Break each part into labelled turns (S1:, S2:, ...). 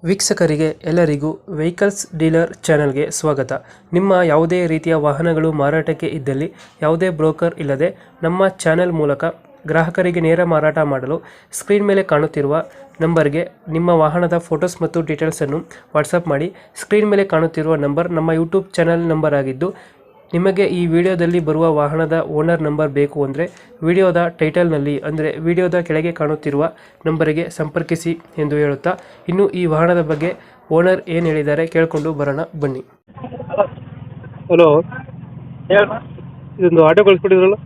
S1: ವೀಕ್ಷಕರಿಗೆ ಎಲ್ಲರಿಗೂ vehicles dealer ಚಾನೆಲ್ಗೆ ಸ್ವಾಗತ. ನಿಮ್ಮ ಯಾವುದೇ ರೀತಿಯ ವಾಹನಗಳು ಮಾರಾಟಕ್ಕೆ ಇದ್ದಲ್ಲಿ ಯಾವುದೇ ಬ್ರೋಕರ್ ಇಲ್ಲದೆ ನಮ್ಮ ಚಾನೆಲ್ ಮೂಲಕ ಗ್ರಾಹಕರಿಗೆ ನೇರ ಮಾರಾಟ ಮಾಡಲು ಸ್ಕ್ರೀನ್ ಮೇಲೆ ಕಾಣುತ್ತಿರುವ ನಂಬರ್ಗೆ ನಿಮ್ಮ ವಾಹನದ ಫೋಟೋಸ್ ಮತ್ತು ಡೀಟೇಲ್ಸನ್ನು ವಾಟ್ಸಪ್ ಮಾಡಿ. ಸ್ಕ್ರೀನ್ ಮೇಲೆ ಕಾಣುತ್ತಿರುವ ನಂಬರ್ ನಮ್ಮ ಯೂಟ್ಯೂಬ್ ಚಾನೆಲ್ ನಂಬರ್ ಆಗಿದ್ದು, ನಿಮಗೆ ಈ ವಿಡಿಯೋದಲ್ಲಿ ಬರುವ ವಾಹನದ ಓನರ್ ನಂಬರ್ ಬೇಕು ಅಂದರೆ ವಿಡಿಯೋದ ಟೈಟಲ್ನಲ್ಲಿ ಅಂದರೆ ವಿಡಿಯೋದ ಕೆಳಗೆ ಕಾಣುತ್ತಿರುವ ನಂಬರಿಗೆ ಸಂಪರ್ಕಿಸಿ ಎಂದು ಹೇಳುತ್ತಾ, ಇನ್ನು ಈ ವಾಹನದ ಬಗ್ಗೆ ಓನರ್ ಏನು ಹೇಳಿದ್ದಾರೆ ಕೇಳಿಕೊಂಡು ಬರೋಣ ಬನ್ನಿ. ಹಲೋ, ಇದೊಂದು ಆಟೋ ಕಳಿಸ್ಕೊಟ್ಟಿದ್ರಲ್ಲ?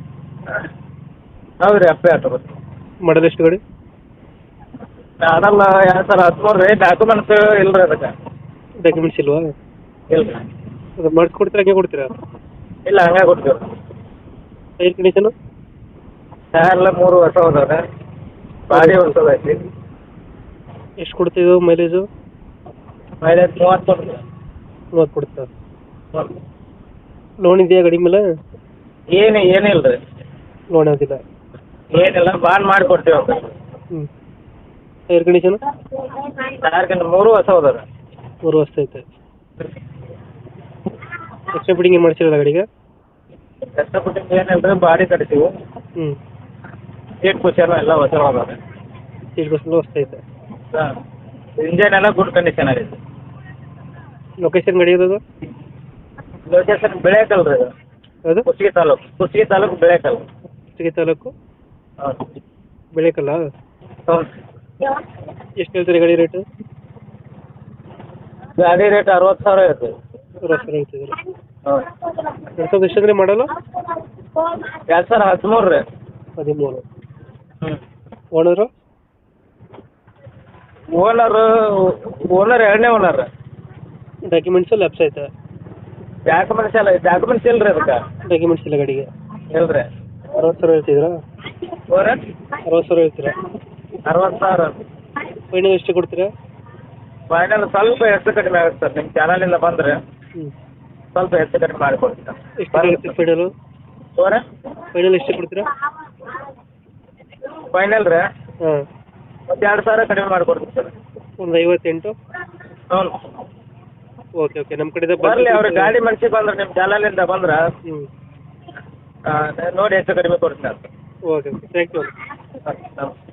S2: ಹೌದ್ರಿ, ಅಪ್ಪೆ ಆಟೋ.
S1: ಮಾಡಲ್ ಎಷ್ಟು ಗಾಡಿ?
S2: ಮಾಡಲ್ಲ 2013 ರೀ. ಡಾಕ್ಯುಮೆಂಟ್ಸ್ ಇಲ್ರಿ ಅದಕ್ಕೆ.
S1: ಡಾಕ್ಯುಮೆಂಟ್ಸ್ ಇಲ್ವಾ?
S2: ಇಲ್ಲ
S1: ಅದು ಮಾಡಿಸ್ಕೊಡ್ತೀರಾ, ಹಂಗೆ ಕೊಡ್ತೀರಾ?
S2: ಇಲ್ಲ, ಹಂಗೆ ಕೊಡ್ತೀವಿ.
S1: Tyre condition?
S2: ಟೈರ್ ಎಲ್ಲ 3 ವರ್ಷ ಹೋದವ್ರೆ. ಗಾಡಿ ಹೊಸದು ಐತಿ.
S1: ಎಷ್ಟು ಕೊಡ್ತಿದ್ದು ಮೈಲೇಜು?
S2: ಮೈಲೇಜ್ 30 ಕೊಡ್ತೀವಿ.
S1: 30 ಕೊಡ್ತಾ? ಲೋನ್ ಇದೆಯಾ ಗಾಡಿ ಮೇಲೆ?
S2: ಏನಿಲ್ಲ ರೀ.
S1: ಲೋನ್ ಯಾವುದಿಲ್ಲ?
S2: ಏನಿಲ್ಲ, ಬಾಂಡ್ ಮಾಡಿ ಕೊಡ್ತೀವಿ.
S1: ಹ್ಞೂ. Tyre condition?
S2: ಟೈರ್ 3 ವರ್ಷ ಹೋದವ್ರೆ.
S1: 3 ವರ್ಷ ಐತೆ. ಎಕ್ಸ್ಟ್ರಾ ಫಿಟ್ಟಿಂಗ್ ಏನು ಮಾಡಿಸಿರಲ್ಲ ಗಾಡಿಗೆ?
S2: ಕಷ್ಟಪಟ್ಟು ಏನಿಲ್ಲ, ಬಾಡಿ ಕಟ್ತೀವಿ.
S1: ಹ್ಞೂ.
S2: ಸೀಟ್ ಕುಷನ್ ಎಲ್ಲ ಹೊಸ ಹೋದವ್ರೆ.
S1: ಸೀಟ್ ಬಸ್ ಹೊಸ ಐತೆ.
S2: ಹಾಂ, ಇಂಜನ್ ಎಲ್ಲ ಗುಡ್ ಕಂಡೀಷನ್ ಆಗೈತೆ.
S1: ಲೊಕೇಶನ್ ಗಾಡಿ ಇರೋದು?
S2: ಲೊಕೇಶನ್ ಬೆಳೆಕಲ್ ರೀ. ಅದು
S1: ಯಾವುದು?
S2: ಕುಷ್ಟಗಿ ತಾಲೂಕು ಬೆಳೆಕಲ್.
S1: ಕುಷ್ಟಗಿ ತಾಲೂಕು
S2: ಹೌದು.
S1: ಬೆಳೆಕಲ್ಲ?
S2: ಹೌದು.
S1: ಎಷ್ಟು ಹೇಳ್ತೀರಿ ಗಾಡಿ ರೇಟು?
S2: ಗಾಡಿ ರೇಟ್ 60,000 ಇರ್ತದೆ.
S1: 60,000 ಹೇಳ್ತಿದ್ದೀರಾ?
S2: ಹೌದು.
S1: 2000 ಎಷ್ಟಂದ್ರೆ ಮಾಡಲ್ಲ?
S2: 2013 ರೀ.
S1: 13.
S2: ಹ್ಞೂ.
S1: ಓನರು?
S2: ಓನರ್ ಎರಡನೇ ಓನರ್.
S1: ಡಾಕ್ಯುಮೆಂಟ್ಸು ಲ್ಯಾಪ್ಸ್ ಐತೆ?
S2: ಡಾಕ್ಯುಮೆಂಟ್ಸ್ ಇಲ್ರಿ ಅದಕ್ಕೆ.
S1: ಡಾಕ್ಯುಮೆಂಟ್ಸ್ ಇಲ್ಲ ಗಾಡಿಗೆ?
S2: ಇಲ್ರಿ.
S1: 60,000 ಹೇಳ್ತಿದ್ದೀರಾ? 60,000 ಹೇಳ್ತೀರಾ?
S2: 60,000.
S1: ಫೈನಲ್ ಎಷ್ಟು ಕೊಡ್ತೀರಾ?
S2: ಫೈನಲ್ ಸ್ವಲ್ಪ ಹೆಚ್ಚು ಕಡಿಮೆ ಆಗುತ್ತೆ ಸರ್. ನಿಮ್ಮ ಚಾನಲಿಂದ ಬಂದರೆ
S1: ಹ್ಞೂ
S2: ಸ್ವಲ್ಪ ಹೆಚ್ಚು ಕಡಿಮೆ ಮಾಡಿಕೊಡ್ತೀರಾ?
S1: ಎಷ್ಟು ಆಗುತ್ತೆ ಫೈನಲು? ಫೈನಲ್ ಎಷ್ಟು ಕೊಡ್ತೀರಾ?
S2: ಫೈನಲ್ ರೀ,
S1: ಹಾಂ,
S2: ಒಂದು 2,000 ಕಡಿಮೆ ಮಾಡಿಕೊಡ್ತೀವಿ ಸರ್.
S1: ಒಂದು 58?
S2: ಹ್ಞೂ.
S1: ಓಕೆ ಓಕೆ, ನಮ್ಮ ಕಡೆಯಿಂದ
S2: ಬರಲಿ, ಅವ್ರಿಗೆ ಗಾಡಿ ಮನ್ಸಿಗೆ ಬಂದ್ರೆ ನಿಮ್ಮ ಚಾನಲಿಂದ ಬಂದ್ರೆ
S1: ಹ್ಞೂ
S2: ನೋಡಿ ಹೆಚ್ಚು ಕಡಿಮೆ ಕೊಡ್ತೀನಿ.
S1: Okay okay, thank you.
S2: ನಮಸ್ತೆ.